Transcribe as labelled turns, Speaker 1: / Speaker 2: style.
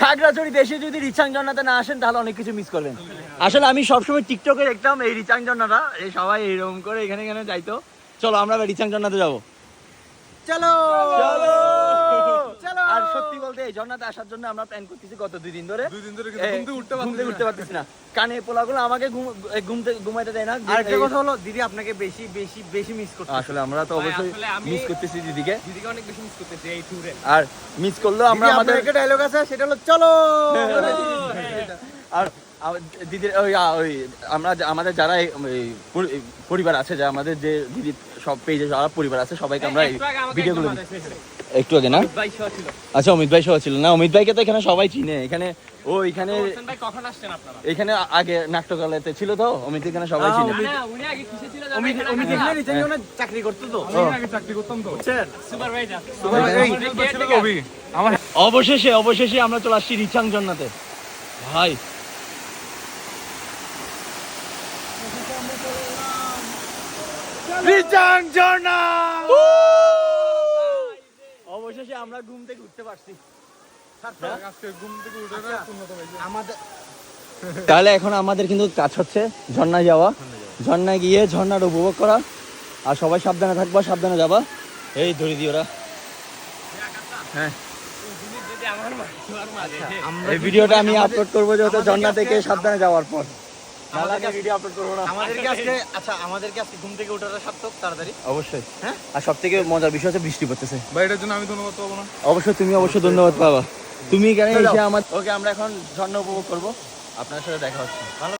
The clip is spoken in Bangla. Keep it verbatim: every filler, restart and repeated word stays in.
Speaker 1: খাগড়াছড়ি দেশে যদি রিচাং ঝর্ণাতে না আসেন তাহলে অনেক কিছু মিস করবেন। আসলে আমি সবসময় টিকটকে দেখতাম এই রিচাং ঝর্ণাটা, এই সবাই এরকম করে এখানে এখানে যাইতো। চলো আমরা রিচাং ঝর্ণাতে যাবো, চলো চলো চলো। আর সত্যি বলতে এই ঝর্ণাতে আসার জন্য আমরা প্ল্যান করতেছি গত দুই দিন ধরে,
Speaker 2: দুই দিন ধরে কিন্তু ঘুম থেকে উঠতে
Speaker 1: ঘুম থেকে
Speaker 2: পারতেছি
Speaker 1: উঠতে পারতেছি না। কানে পোলাগুলো আমাকে ঘুমতে ঘুমাইতে দেয় না।
Speaker 3: আর একটা কথা হলো দিদি আপনাকে বেশি বেশি বেশি মিস করতে।
Speaker 1: আসলে আমরা তো অবশ্যই মিস করতেছি দিদিকে,
Speaker 3: দিদিকে অনেক বেশি মিস করতেছি এই ট্যুরে।
Speaker 1: আর মিস করলেও আমরা আমাদের
Speaker 3: একটা ডায়লগ আছে সেটা হলো চলো।
Speaker 1: আর দিদির ওই ওই আমরা আমাদের যারা পরিবার আছে, যা আমাদের যে দিদির সব পেজে যারা পরিবার আছে সবাইকে আমরা এই ভিডিওগুলো একটু আগে না আচ্ছা অমিত ভাই সহ ছিল না, অমিত ভাইকে তো এখানে সবাই চিনে। এখানে ও এখানে
Speaker 3: কখন আসছেন আপনারা?
Speaker 1: এখানে আগে নাট্যকালাতে ছিল তো অমিত, এখানে সবাই চিনে।
Speaker 3: উনি আগে কিসে ছিল জানেন? অমিত এখানে রিচার্জে চাকরি করতো তো।
Speaker 2: আমি আগে চাকরি করতাম তো,
Speaker 3: বুঝছেন? সুপারভাইজার।
Speaker 2: আমার
Speaker 1: অবশেষে অবশেষে আমরা চলে আসছি রিচাং ঝর্ণাতে ভাই। রিচাং ঝর্ণা অবশেষে আমরা ঘুম থেকে উঠতে পারছি।
Speaker 2: আজকে ঘুম থেকে উঠে না উন্নত হয়েছে
Speaker 3: আমাদের।
Speaker 1: তাহলে এখন আমাদের কিন্তু কাজ হচ্ছে ঝর্ণায় যাওয়া, ঝর্ণায় গিয়ে ঝর্ণার উপভোগ করা। আর সবাই সাবধানে থাকবা, সাবধানে যাবা। এই ধরে দিও ওরা। হ্যাঁ এই ভিডিওটা আমি আপলোড করবো যেহেতু ঝর্ণা থেকে সাবধানে যাওয়ার পর। ভিডিও আপলোড করবো না
Speaker 3: আমাদেরকে আজকে আচ্ছা আমাদেরকে আজকে ঘুম থেকে ওঠাটা সার্থক তাড়াতাড়ি।
Speaker 1: অবশ্যই। হ্যাঁ আর সব থেকে মজার বিষয় হচ্ছে বৃষ্টি পড়তেছে
Speaker 2: ভাই, এটার জন্য আমি ধন্যবাদ পাবো না?
Speaker 1: অবশ্যই তুমি অবশ্যই ধন্যবাদ পাবা। তুমি কেন এসে আমার। ওকে আমরা এখন ঝর্ণা উপভোগ করবো, আপনার সাথে দেখা হচ্ছে।